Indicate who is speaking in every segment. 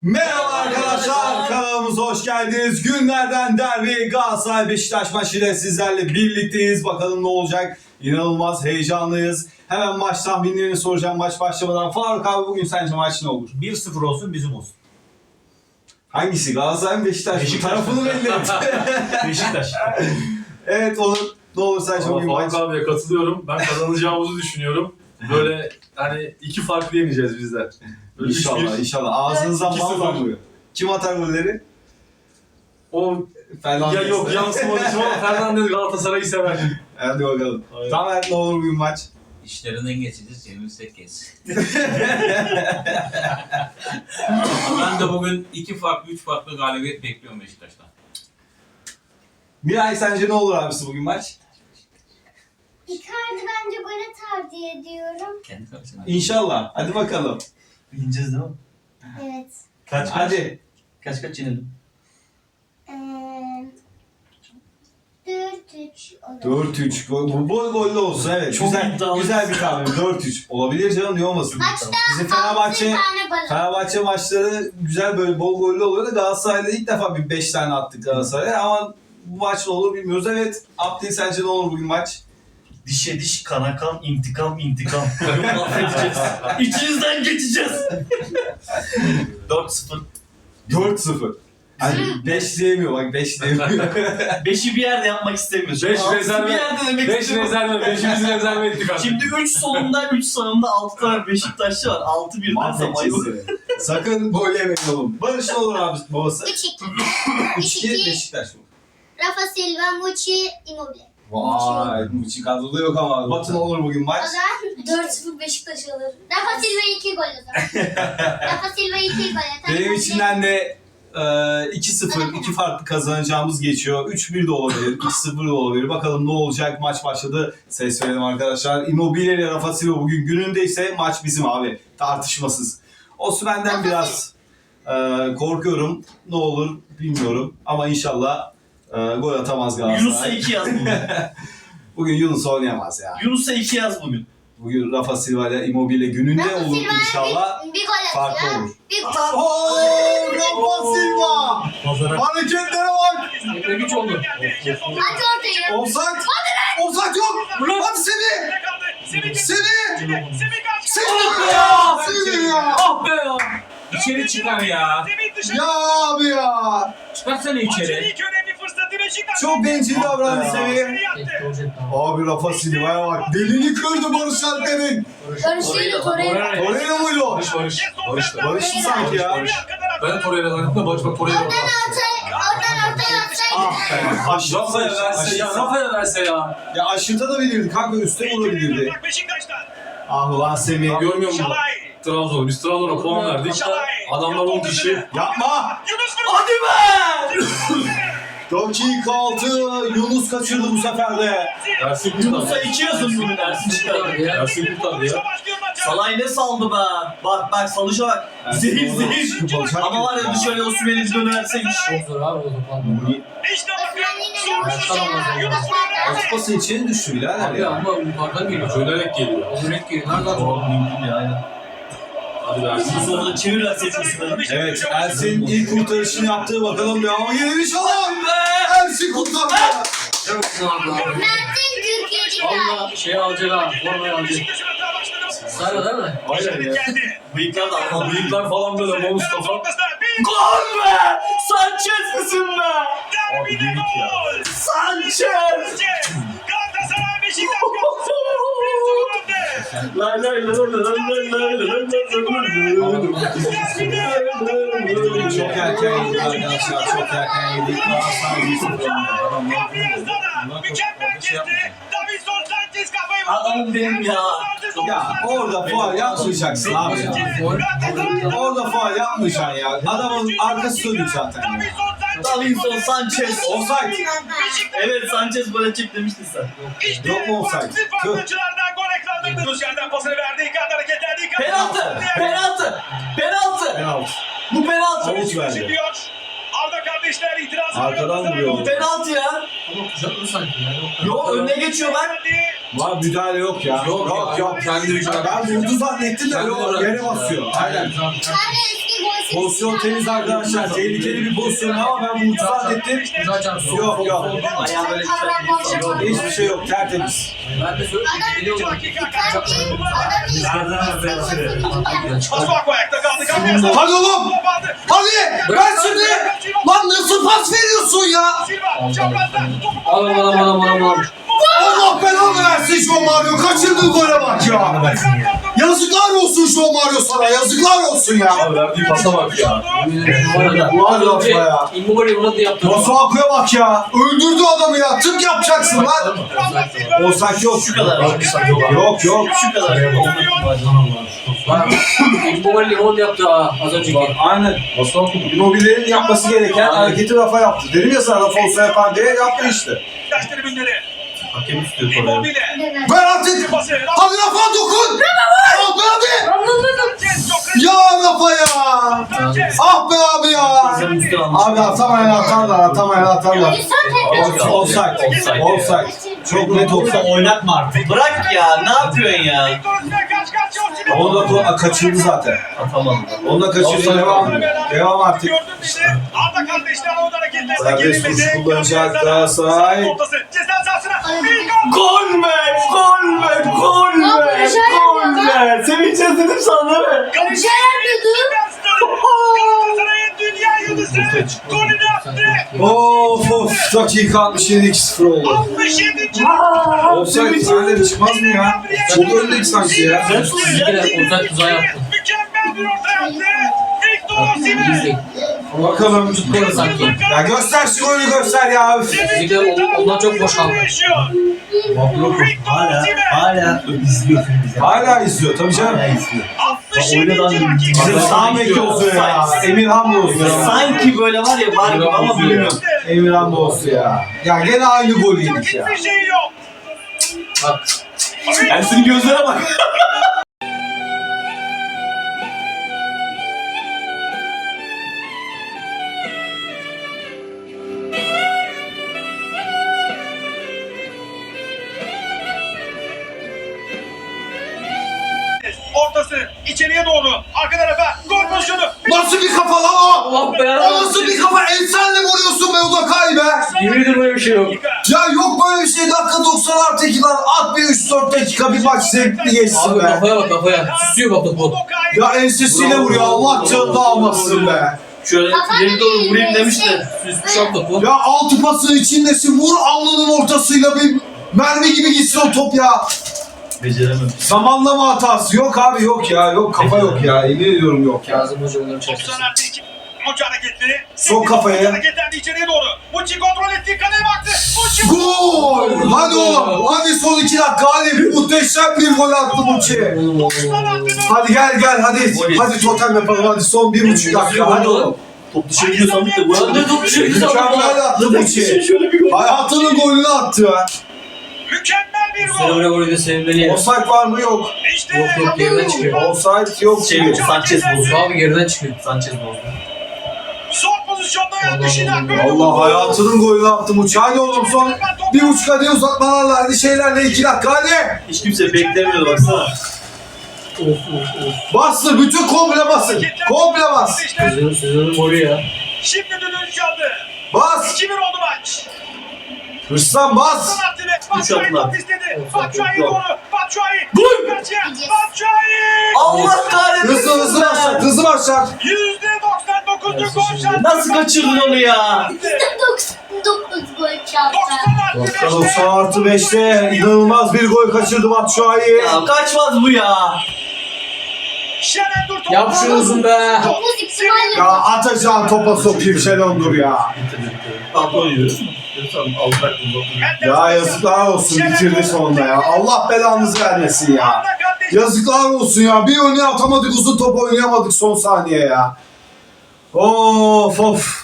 Speaker 1: Merhaba arkadaşlar, kanalımıza hoş geldiniz. Günlerden derbi Galatasaray Beşiktaş maçıyla sizlerle birlikteyiz. Bakalım ne olacak? İnanılmaz heyecanlıyız. Hemen maç tahminlerini soracağım maç başlamadan. Faruk abi, bugün sence maç ne olur?
Speaker 2: 1-0 olsun, bizim olsun.
Speaker 1: Hangisi? Galatasaray mı Beşiktaş mı?
Speaker 2: Beşiktaş.
Speaker 1: Tarafını belli et.
Speaker 2: Beşiktaş.
Speaker 1: Evet, olur. Ne olur sence bugün maç?
Speaker 3: Faruk abiye katılıyorum. Ben kazanacağımızı düşünüyorum. Böyle hani iki farklı yeneceğiz bizler. Böyle
Speaker 1: İnşallah,
Speaker 3: 3-1.
Speaker 1: inşallah. Ağzınızdan
Speaker 3: 2-0.
Speaker 1: bal damlıyor. Kim atar golleri?
Speaker 3: O
Speaker 1: Fernandes.
Speaker 3: ya yok yansımadı için ama Fernandes Galatasaray'ı sever.
Speaker 1: Hadi bakalım.
Speaker 3: Aynen.
Speaker 1: Tamer, ne olur bugün maç?
Speaker 4: İşlerinden geçeceğiz, yenilsek geç. Ben de bugün 3 farklı galibiyet bekliyorum Beşiktaş'tan.
Speaker 1: Miray, sence ne olur abisi bugün maç?
Speaker 5: Icardi bence gol atar diye diyorum.
Speaker 4: Kendi karşısına.
Speaker 1: İnşallah. Hadi bakalım.
Speaker 2: Bileceğiz değil mi?
Speaker 5: Evet.
Speaker 1: Hadi.
Speaker 2: Kaç yenelim?
Speaker 5: 4-3 olur.
Speaker 1: 4-3. Bu bol gollü olsun, evet.
Speaker 2: Çok
Speaker 1: güzel,
Speaker 2: iddialı.
Speaker 1: güzel bir tahmin. 4-3. Olabilir canım, niye olmasın?
Speaker 5: Maçta
Speaker 1: Bizim
Speaker 5: 6
Speaker 1: Fenerbahçe
Speaker 5: tane gol.
Speaker 1: Fenerbahçe maçları güzel, böyle bol gollü oluyor da Galatasaray'da ilk defa bir 5 tane attık Galatasaray'a, ama bu maç ne olur bilmiyoruz. Evet. Abdil, sence ne olur bugün maç?
Speaker 2: Dişe diş, kana kan, intikam. Affedeceğiz. İçinizden geçeceğiz. 4-0.
Speaker 1: 4-0. Hani 5 diyemiyor, bak 5 diyemiyor.
Speaker 2: 5'i bir yerde yapmak istemiyoruz.
Speaker 3: 5
Speaker 2: Altısı
Speaker 3: rezerve.
Speaker 2: bir yerde demek
Speaker 3: 5
Speaker 2: istiyorum.
Speaker 3: rezerve. 5'imizi rezerve ettik artık.
Speaker 2: Şimdi 3 solunda 3 sağında 6 tane Beşiktaşlı var. 6 birden zamayı.
Speaker 1: Mahvedeceğiz seni. Sakın gol yemeyin oğlum. Barış ne olur abi babası?
Speaker 5: 3-2.
Speaker 1: 3-2
Speaker 5: 3-2.
Speaker 1: Beşiktaş mı?
Speaker 5: Rafa Silva, Muçi, Immobile.
Speaker 1: Vay, Muçi kadroda yok ama. Batı ne olur bugün
Speaker 5: O
Speaker 1: maç?
Speaker 5: zaman 4-0 Beşiktaş alır. Rafa Silva 2 gol atar. Rafa Silva 2 gol atar.
Speaker 1: Benim içinden de 2-0, iki farklı kazanacağımız geçiyor. 3-1 de olabilir, 2-0 da olabilir. Bakalım ne olacak? Maç başladı. Ses verelim arkadaşlar. Immobile ile Rafa Silva bugün günündeyse maç bizim abi. Tartışmasız. Osimhen'den biraz korkuyorum. Ne olur bilmiyorum. Ama inşallah gol atamaz
Speaker 2: Yunus'a
Speaker 1: Galatasaray.
Speaker 2: 2 yaz bugün.
Speaker 1: Bugün Yunus oynayamaz ya.
Speaker 2: Yunus'a 2 yaz bugün.
Speaker 1: Bugün Rafa Silva ile Immobile gününde
Speaker 5: Rafa
Speaker 1: olur
Speaker 5: Silva
Speaker 1: inşallah.
Speaker 5: bir gol
Speaker 1: Farklı
Speaker 5: atıyor.
Speaker 1: olur.
Speaker 5: Bir gol.
Speaker 1: Ooo, Rafa Silva! Hareketlere bak!
Speaker 3: Güç oldu.
Speaker 5: Aç ortaya.
Speaker 1: Offside! Offside yok! Hadi Semih! Semih! Semih ya! Semih ya!
Speaker 4: Ah be ya! İçeri çıkar ya.
Speaker 1: Ya abi ya!
Speaker 4: Çıkarsana içeri.
Speaker 1: Çok bencil davrandı Semih. Abi Rafa Silva'ya bak. Delini kırdı Barış Alper'in.
Speaker 5: Barış'ıyla Torreira.
Speaker 1: Torreira muydu o?
Speaker 3: Barış.
Speaker 1: Barış mı sanki ya?
Speaker 3: Ben Torreira'dan yaptım da Barış bak Torreira orada.
Speaker 5: Oradan ortaya atsaydı.
Speaker 1: Ah be.
Speaker 3: Rafa'ya verse ya. Rafa'ya verse ya.
Speaker 1: Ya aşırtabilirdi. Kanka üstte vurabilirdi. Ah ulan Semih.
Speaker 3: Görmüyor musun? Trabzon. Biz Trabzon'a puan verdik. Adamlar 10 kişi.
Speaker 1: Yapma!
Speaker 2: Hadi be!
Speaker 1: Dakika 6. Yunus kaçırdı bu sefer de.
Speaker 3: Ersin
Speaker 2: Yunus'a
Speaker 3: kurtardı.
Speaker 2: 2 yazın bugün Ersin çıkardı.
Speaker 3: Ersin kurtardı ya.
Speaker 2: Salay ne saldı be? Bak salışa bak. Zehir zehir. Ama var ya dışarıya o süreniz dönerseymiş.
Speaker 1: Aspası içeri düştü birader ya.
Speaker 3: Ama yukarıdan geliyor. Dönerek geliyor.
Speaker 4: Dönerek geliyor. Nereden
Speaker 2: Doğru mümkün ya aynen.
Speaker 3: Hadi be Ersin.
Speaker 2: Bu sonunda çevirler seçmesini.
Speaker 1: Evet, Ersin ilk kurtarışını yaptı. Bakalım devamı gelir inşallah. Ersin kurtardı.
Speaker 5: Mert'in 47
Speaker 4: Valla şey alacak ha. Formayı alacak. Sarı değil mi?
Speaker 3: Aynen ya.
Speaker 2: Bıyıklar da ama
Speaker 3: Bıyıklar falan böyle bonus kafa.
Speaker 2: Gol be! Sanchez misin be?
Speaker 3: Abi yedik ya.
Speaker 2: Sanchez! Lay lay lay lay lay lay lay
Speaker 1: Çok erken yedik arkadaşlar. Çok erken yedik. Galatasaray 1-0.
Speaker 2: Adamım benim ya.
Speaker 1: Ya orada faul yapmayacaksın abi ya. Orada faul yapmayacaksın ya. Adamın arkası dönük zaten ya.
Speaker 2: Davinson Sanchez.
Speaker 1: Offside.
Speaker 2: Evet Sanchez gol atacak demiştin sen.
Speaker 1: Yok mu offside? Tüh.
Speaker 2: Penaltı! Penaltı! Penaltı!
Speaker 1: Penaltı.
Speaker 2: Bu penaltı!
Speaker 1: Havuç verdi.
Speaker 6: Arda kardeşler itiraz
Speaker 1: Arkadan vuruyor.
Speaker 2: Bu penaltı ya.
Speaker 4: Ama kuşatlı sanki ya.
Speaker 2: Yok önüne geçiyor bak.
Speaker 1: Var müdahale yok ya. Yok.
Speaker 3: Kendi
Speaker 1: Ben vurdu zannettim de yok, yere basıyor. Aynen.
Speaker 5: Ben de eski gol
Speaker 1: Pozisyon temiz arkadaşlar. Tehlikeli bir pozisyon ama ben bu itiraz ettim. Yok yok.
Speaker 2: Ayağı böyle
Speaker 1: Yok, hiçbir şey yok. Tertemiz.
Speaker 4: Ben de söyleyeyim.
Speaker 6: Masuaku ayakta kaldı. Gabriel
Speaker 7: Hadi oğlum!
Speaker 6: top aldı.
Speaker 7: Hadi! Ver şimdi! Lan nasıl pas veriyorsun ya?
Speaker 6: Silva çaprazda topu
Speaker 4: Alam.
Speaker 7: Allah belanı versin João Mario. Kaçırdığı gole bak ya. Yazıklar olsun João Mario sana. Yazıklar olsun ya.
Speaker 3: Verdiği pasa bak ya.
Speaker 7: Ulan lafla ya.
Speaker 4: Immobile bunu da yaptı.
Speaker 7: Masuaku'ya bak ya. Öldürdü adamı ya. Tık yapacaksın lan.
Speaker 1: Olsak yok.
Speaker 2: Şu kadar.
Speaker 1: Yok yok.
Speaker 2: Şu kadar.
Speaker 4: Immobile bunu da yaptı az önceki.
Speaker 1: Aynen. Immobile'nin yapması gereken hareketi Rafa yaptı. Dedim ya sana Rafa olsa yapar diye yaptı işte.
Speaker 6: Taş tribünleri.
Speaker 2: Hakem istiyor oraya.
Speaker 6: Immobile.
Speaker 7: Ver artık.
Speaker 6: Pası.
Speaker 7: Hadi Rafa dokun. Hadi.
Speaker 6: Sanchez çok hızlı.
Speaker 7: Ya Rafa ya.
Speaker 6: Sanchez.
Speaker 7: Ah be abi ya. Abi atamayan atarlar.
Speaker 1: Offside. Offside. Çok net offside.
Speaker 2: Oynatma artık. Bırak ya. Ne yapıyorsun ya?
Speaker 1: Onu da kaçırdı zaten.
Speaker 2: Atamadım.
Speaker 1: Onu da kaçırdı. Devam artık.
Speaker 6: Gördün işte. Arda kardeşler o hareketlerine
Speaker 1: Serbest vuruş
Speaker 6: gerilmedi.
Speaker 1: kullanacak Galatasaray.
Speaker 6: Ortası. Ceza sahasına. Bir gol.
Speaker 2: Gol be! Sevineceğiz dedim sana değil mi?
Speaker 6: Galatasaray'ın dünya yıldızı golünü attı.
Speaker 1: Of dakika 67 2-0 oldu.
Speaker 6: 67.
Speaker 1: Offside sahneleri çıkmaz mı ya? Çok öndedik sanki ya.
Speaker 4: Uzak tuzağı yaptı.
Speaker 6: Mükemmel bir orta yaptı. Victor Osimhen.
Speaker 1: Bakalım.
Speaker 4: Tutmadı sanki.
Speaker 1: Ya göster şu golü göster ya. Üf.
Speaker 4: Bizimkiler ondan çok boş kaldı.
Speaker 2: Hala izliyorsun bizi.
Speaker 1: Hala izliyor tabii canım.
Speaker 6: 67. dakika.
Speaker 1: Bizim sağ bek olsun ya. Emirhan olsun ya.
Speaker 2: Sanki böyle var ya var gibi ama bilmiyorum.
Speaker 1: Emirhan olsun ya. Ya gene aynı gol yedik ya.
Speaker 6: Hiçbir şey yok.
Speaker 4: Bak.
Speaker 2: Ersin'in gözlere bak.
Speaker 6: Ortası içeriye doğru. Arka tarafa gol pozisyonu.
Speaker 7: Nasıl bir kafa lan o?
Speaker 4: Allah be.
Speaker 7: O nasıl bir kafa? Ensenle vuruyorsun be Udakay be.
Speaker 4: Yemin ederim böyle bir şey yok.
Speaker 7: Ya yok böyle bir şey. Dakika 90 artı 2 lan. At bir 3-4 dakika bir maç zevkli geçsin
Speaker 4: Abi
Speaker 7: be.
Speaker 4: kafaya bak kafaya. Süsüyor bak topu.
Speaker 7: Ya ensesiyle vuruyor. Allah canını almasın be.
Speaker 2: Şöyle ileri doğru vurayım demiş de süsmüş.
Speaker 4: Şap topu.
Speaker 7: Ya altı pasın içindesin. Vur alnının ortasıyla bir mermi gibi gitsin o top ya.
Speaker 2: Beceremem.
Speaker 1: Zamanlama hatası yok abi yok ya. Yok kafa yok ya. Emin ediyorum yok ya.
Speaker 4: Kazım Hoca onları çalıştırsın.
Speaker 6: 90 artı 2. Muçi hareketleri.
Speaker 1: Sok kafaya.
Speaker 6: Hareketlendi içeriye doğru. Muçi kontrol etti. Kaleye baktı. Muçi.
Speaker 7: Gol! Hadi oğlum. Hadi son 2 dakika. Hadi muhteşem bir gol attı Muçi. Hadi gel hadi. Hadi totem yapalım hadi son 1,5 dakika. Hadi oğlum.
Speaker 2: Top dışarı gidiyor sandık da bu anda top dışarı gidiyor.
Speaker 7: Mükemmel attı Muçi. Hayatının golünü attı ya.
Speaker 6: Mükemmel bir
Speaker 4: Sen
Speaker 6: gol.
Speaker 4: öyle golü de sevinmeli.
Speaker 1: Offside var mı yok.
Speaker 6: İşte
Speaker 4: Yok geriden çıkıyor.
Speaker 1: Offside yok.
Speaker 2: Şey Sanchez bozdu.
Speaker 4: Abi geriden çıkıyor.
Speaker 2: Sanchez bozdu.
Speaker 6: son pozisyonda yanlış inan.
Speaker 1: Allah hayatının golünü attı Muçi. Hadi oğlum son 1,5 hadi uzatmalarla hadi şeylerle 2 dakika hadi.
Speaker 2: Hiç kimse beklemiyordu baksana.
Speaker 1: Bastır bütün komple basın. Komple bas.
Speaker 4: Sezonun golü ya.
Speaker 6: Şimdi düdüğünü çaldı.
Speaker 1: Bas.
Speaker 6: 2-1 oldu maç.
Speaker 1: Hırslan bas.
Speaker 6: Sanat ve Batshuayi
Speaker 2: attılar.
Speaker 6: top istedi. Batshuayi doğru. Batshuayi.
Speaker 2: Gol!
Speaker 6: Batshuayi.
Speaker 2: Allah kahretsin.
Speaker 1: Hızlı başlat. Hızlı başlat.
Speaker 6: %99'luk gol şansı.
Speaker 2: Nasıl kaçırdın onu ya?
Speaker 5: 99 gol çaldı.
Speaker 1: 90 artı 5'te inanılmaz bir gol kaçırdı Batshuayi.
Speaker 2: Ya kaçmaz bu ya.
Speaker 6: Şener Dur
Speaker 4: Yap şunu uzun be.
Speaker 5: 9 ihtimalle.
Speaker 1: Ya atacağın topa sokayım Şenondur ya.
Speaker 2: Tampon yiyoruz. Tamam alacak bunu.
Speaker 1: Ya yazıklar olsun bitirdi sonunda ya. Allah belanızı vermesin ya. Yazıklar olsun ya. Bir öne atamadık uzun top oynayamadık son saniye ya. Of.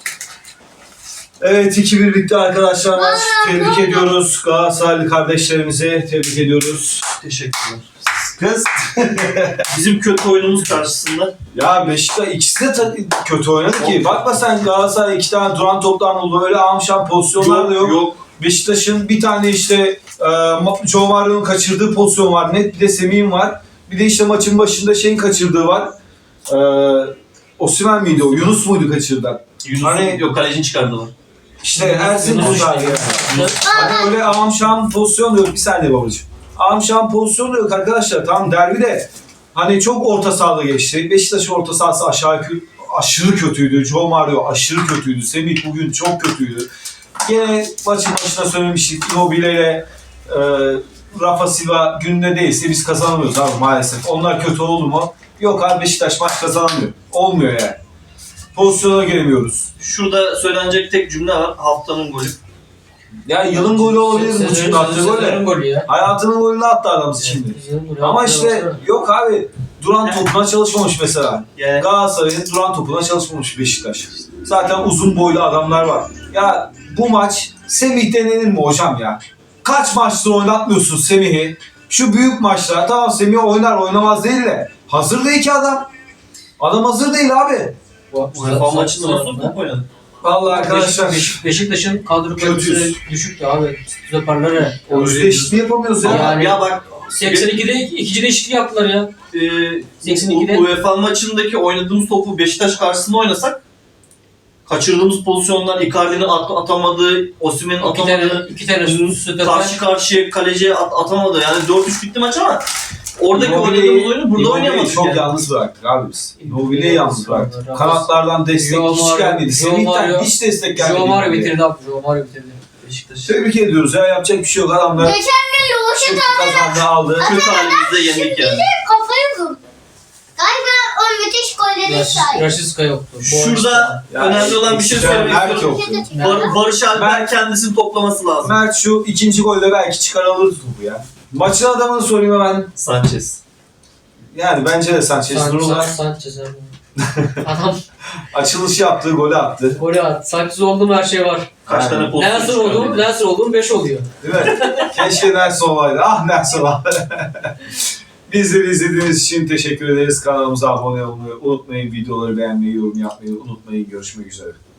Speaker 1: Evet 2-1 bitti arkadaşlar. Maç. Tebrik ediyoruz. Galatasaraylı kardeşlerimize tebrik ediyoruz.
Speaker 2: Teşekkürler.
Speaker 1: Kız.
Speaker 2: Bizim kötü oyunumuz karşısında.
Speaker 1: Ya Beşiktaş ikisi de kötü oynadı ki. Bakma sen Galatasaray 2 tane duran toptan buldu. Öyle amşan pozisyonlar da yok.
Speaker 2: Yok.
Speaker 1: Beşiktaş'ın bir tane işte João Mario'nun kaçırdığı pozisyon var. Net bir de Semih'in var. Bir de işte maçın başında şeyin kaçırdığı var.
Speaker 7: Osimhen miydi o? Yunus muydu kaçırdı?
Speaker 2: Yunus'un
Speaker 7: Hani-
Speaker 2: yok kalecini çıkardılar.
Speaker 7: İşte Ersin kurtardı yani. Hani öyle amşam pozisyon da yok. Bir saniye babacığım. Amşam pozisyon da yok arkadaşlar. Tamam derbi de hani çok orta sahada geçti. Beşiktaş'ın orta sahası aşırı kötüydü. Joe Mario aşırı kötüydü. Semih bugün çok kötüydü. Gene maçın başına söylemiştik. Immobile ile Rafa Silva gününde değilse biz kazanamıyoruz abi maalesef. Onlar kötü oldu mu? Yok abi Beşiktaş maç kazanamıyor. Olmuyor yani. Pozisyona giremiyoruz.
Speaker 2: Şurada söylenecek tek cümle var. Haftanın golü.
Speaker 7: Ya yılın golü olabilir bu çünkü attığı
Speaker 8: Sezonun
Speaker 7: gol.
Speaker 8: golü ya.
Speaker 7: Hayatının golünü attı adam şimdi.
Speaker 8: Sezonun golü.
Speaker 7: Ama işte yok abi duran topuna çalışmamış mesela.
Speaker 2: Yani
Speaker 7: Galatasaray'ın duran topuna çalışmamış Beşiktaş. Zaten uzun boylu adamlar var. Ya bu maç Semih denenir mi hocam ya? Kaç maçtır oynatmıyorsun Semih'i? Şu büyük maçlar tamam Semih oynar oynamaz değil de hazır değil ki adam. Adam hazır değil abi.
Speaker 2: UEFA maçında nasıl top oynadı?
Speaker 7: Vallahi arkadaşlar
Speaker 8: Beşiktaş'ın kadro
Speaker 7: Kötüyüz.
Speaker 8: kalitesi düşüktü abi. Stoperlere.
Speaker 7: o yüzde eşitliği yapamıyoruz ya.
Speaker 8: Yani-
Speaker 2: Ya bak
Speaker 8: 82'de ikinci değişiklik yaptılar ya. 82'de.
Speaker 2: UEFA maçındaki oynadığımız topu Beşiktaş karşısında oynasak kaçırdığımız pozisyonlar, Icardi'nin atamadığı, Osimhen'in atamadığı,
Speaker 8: İki tane stoper.
Speaker 2: karşı karşıya kaleciye atamadı. Yani 4-3 bitti maç ama oradaki
Speaker 7: Immobile'yi-
Speaker 2: oynadığımız oyunu burada
Speaker 7: Immobile'yi
Speaker 2: oynayamadık
Speaker 7: çok
Speaker 2: yani.
Speaker 7: yalnız bıraktık abi biz. Immobile'yi yalnız bıraktık.
Speaker 8: Rafa-
Speaker 7: Kanatlardan destek
Speaker 8: Joe
Speaker 7: hiç
Speaker 8: Mario-
Speaker 7: gelmedi.
Speaker 8: Joe
Speaker 7: Semih'ten
Speaker 8: Mario-
Speaker 7: hiç destek gelmedi.
Speaker 8: Joe Mario
Speaker 7: Immobile'ye.
Speaker 8: bitirdi abi. Joe Mario bitirdi.
Speaker 2: Beşiktaş
Speaker 7: Tebrik ediyoruz ya yapacak bir şey yok adamlar.
Speaker 5: Geçen gün Yoluş'a
Speaker 7: Kazandı aldı.
Speaker 2: kötü halimizde yendik yani.
Speaker 5: kafayı vurdu. Galiba o müthiş gollerin sahibi.
Speaker 8: Rashiska yoktu.
Speaker 2: Şurada
Speaker 7: Yani
Speaker 2: önemli olan bir şey
Speaker 7: ekstrem
Speaker 2: söylemek
Speaker 7: Berk
Speaker 2: istiyorum.
Speaker 7: yoktu.
Speaker 2: Barış Alper kendisini toplaması lazım.
Speaker 7: Mert şu ikinci golde belki çıkarılır topu ya. Maçın adamını sorayım hemen.
Speaker 2: Sanchez.
Speaker 7: Yani bence de Sanchez Nurullah
Speaker 8: Sanchez abi. Adam
Speaker 7: açılış yaptığı golü attı.
Speaker 8: golü attı. Sanchez oldu mu her şey var.
Speaker 2: Kaç tane pozisyon
Speaker 8: Nelson oldu mu?
Speaker 2: çıkardı?
Speaker 8: Nelson oldu mu 5 oluyor.
Speaker 7: Değil mi? Keşke Nelson olaydı. Ah Nelson olaydı. Bizleri izlediğiniz için teşekkür ederiz. Kanalımıza abone olmayı unutmayın. Videoları beğenmeyi, yorum yapmayı unutmayın. Görüşmek üzere.